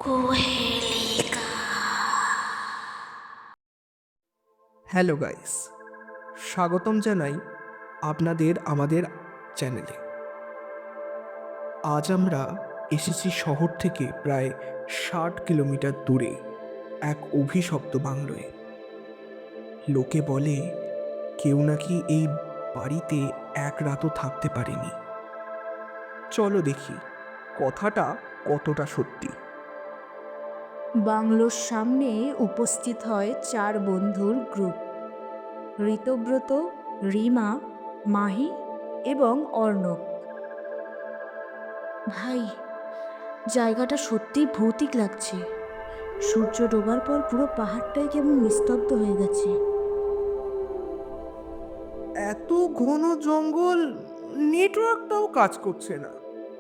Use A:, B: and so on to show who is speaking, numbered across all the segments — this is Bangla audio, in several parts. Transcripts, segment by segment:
A: কুহেলিকা।
B: হ্যালো গাইস, স্বাগতম জানাই আপনাদের আমাদের চ্যানেলে। আজ আমরা এসেছি শহর থেকে প্রায় 60 কিলোমিটার দূরে এক অভিশপ্ত বাংলোয়। লোকে বলে কেউ নাকি এই বাড়িতে এক রাতও থাকতে পারেনি। চলো দেখি কথাটা কতটা সত্যি।
C: বাংলোর সামনে উপস্থিত হয় 4 বন্ধুর গ্রুপ: ঋতব্রত, রিমা, মাহি এবং অর্ণব। ভাই, জায়গাটা সত্যিই ভৌতিক লাগছে। সূর্য ডোবার পর পুরো পাহাড়টাই কেমন নিস্তব্ধ হয়ে গেছে।
B: এত ঘন জঙ্গল, নেটওয়ার্কটাও কাজ করছে না।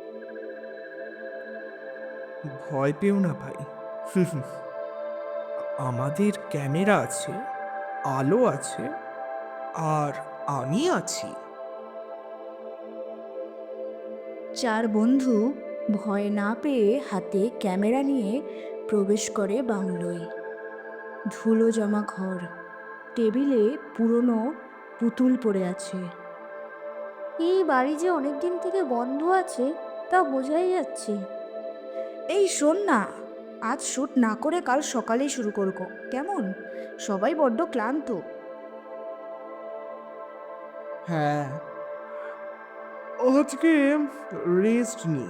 B: ভয় পেও না ভাই, আমাদের ক্যামেরা আছে, আলো আছে, আর আমি আছি।
C: 4 বন্ধু ভয় না পেয়ে হাতে ক্যামেরা নিয়ে প্রবেশ করে বাংলোয়। ধুলো জমা ঘর, টেবিলে পুরনো পুতুল পড়ে আছে। এই বাড়ি যে অনেক দিন থেকে বন্ধ আছে তা বোঝাই যাচ্ছে। এই শোন না, আজ শ্যুট না করে কাল সকালেই শুরু করব, কেমন? সবাই বড্ড ক্লান্ত।
B: হ্যাঁ, আজকে রেস্ট নি।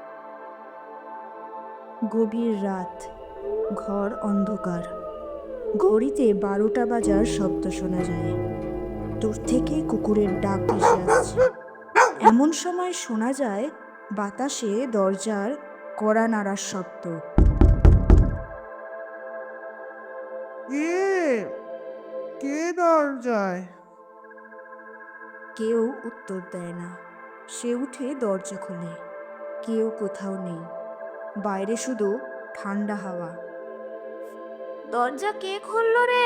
C: গভীর রাত, ঘর অন্ধকার। ঘড়িতে 12টা বাজার শব্দ শোনা যায়। দূর থেকে কুকুরের ডাক ভেসে আসছে। এমন সময় শোনা যায় বাতাসে দরজার কড়া নাড়ার শব্দ।
B: কে কে দরজায়?
C: কেউ উত্তর দেয় না। সে উঠে দরজা খোলে। কেউ কোথাও নেই, বাইরে শুধু ঠান্ডা হাওয়া। দরজা কে খুললো রে?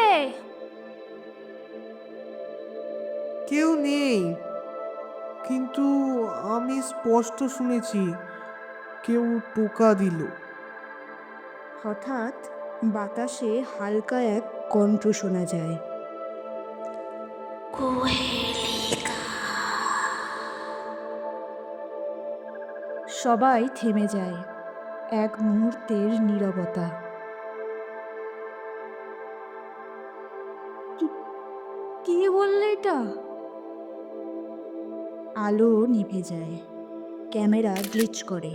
B: কেউ নেই, কিন্তু আমি স্পষ্ট শুনেছি কেউ টোকা দিল।
C: হঠাৎ বাতাসে হালকা এক কণ্ঠ শোনা যায়।
A: কুহেলিকা।
C: সবাই থেমে যায়। এক মুহূর্তের নীরবতা। কে বললে এটা? আলো নিভে যায়, ক্যামেরা গ্লিচ করে।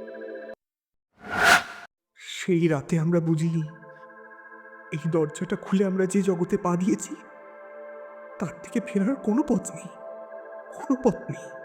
B: সেই রাতে আমরা বুঝি এই দরজাটা খুলে আমরা যে জগতে পা দিয়েছি তার থেকে ফেরার কোনো পথ নেই, কোনো পথ নেই।